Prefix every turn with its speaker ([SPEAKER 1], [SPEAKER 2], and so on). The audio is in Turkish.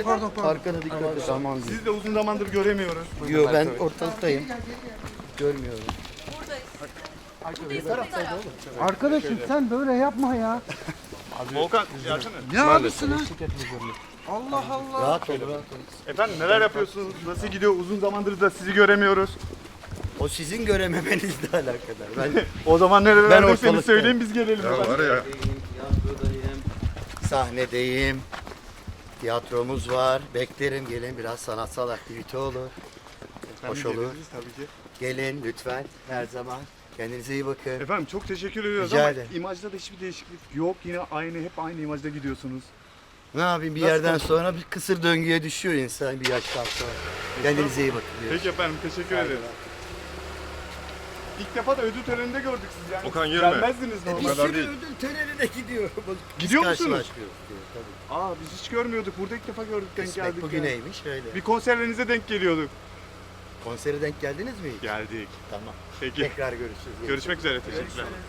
[SPEAKER 1] pardon.
[SPEAKER 2] Arkana dikkat et. Tamam.
[SPEAKER 3] Sizi de uzun zamandır göremiyoruz.
[SPEAKER 2] Yo ben ortalıktayım. Görmüyorum.
[SPEAKER 1] Arkadaşım sen böyle yapma ya.
[SPEAKER 3] Volkan, gelsene.
[SPEAKER 1] Ne abisiniz? Allah Allah.
[SPEAKER 2] Rahat ol, rahat ol.
[SPEAKER 3] Efendim neler yapıyorsunuz? Nasıl gidiyor? Uzun zamandır da sizi göremiyoruz.
[SPEAKER 2] O sizin görememenizle alakadar. Ben
[SPEAKER 3] O zaman
[SPEAKER 2] Ben
[SPEAKER 3] nerelerdeyseniz
[SPEAKER 2] ortalıktayım.
[SPEAKER 3] söyleyin biz gelelim.
[SPEAKER 4] Ya var ya.
[SPEAKER 2] tiyatrodayım, sahnedeyim. Tiyatromuz var. Beklerim gelin biraz sanatsal aktivite olur. Hoş olur.
[SPEAKER 3] geliriz tabii ki.
[SPEAKER 2] Gelin lütfen her zaman. Kendinize iyi bakın.
[SPEAKER 3] Efendim çok teşekkür ediyoruz
[SPEAKER 2] Rica
[SPEAKER 3] ama
[SPEAKER 2] ederim.
[SPEAKER 3] imajda da hiçbir değişiklik yok. Yine aynı, hep aynı imajda gidiyorsunuz.
[SPEAKER 2] Ne yapayım bir
[SPEAKER 3] Nasıl
[SPEAKER 2] yerden
[SPEAKER 3] konuşuyorsun?
[SPEAKER 2] sonra bir kısır döngüye düşüyor insan bir yaştan sonra. Kendinize iyi bakın.
[SPEAKER 3] Peki efendim teşekkür ederim. İlk defa da ödül töreninde gördük sizi yani.
[SPEAKER 4] Okan, yürüme.
[SPEAKER 3] Gelmezdiniz
[SPEAKER 2] Bir
[SPEAKER 3] normalde.
[SPEAKER 4] kadar
[SPEAKER 2] sürü
[SPEAKER 4] değil.
[SPEAKER 2] ödül törenine gidiyor.
[SPEAKER 3] Gidiyor musunuz?
[SPEAKER 2] Karşılaşmıyoruz diyor, tabii.
[SPEAKER 3] Aa biz hiç görmüyorduk. Burada ilk defa gördük, denk
[SPEAKER 2] Kısmet
[SPEAKER 3] geldik. yani.
[SPEAKER 2] bugüneymiş öyle.
[SPEAKER 3] Bir konserlerinize denk geliyorduk.
[SPEAKER 2] Konsere denk geldiniz mi hiç?
[SPEAKER 3] Geldik.
[SPEAKER 2] Tamam.
[SPEAKER 3] Peki.
[SPEAKER 2] Tekrar görüşürüz.
[SPEAKER 3] Görüşmek üzere. Teşekkürler.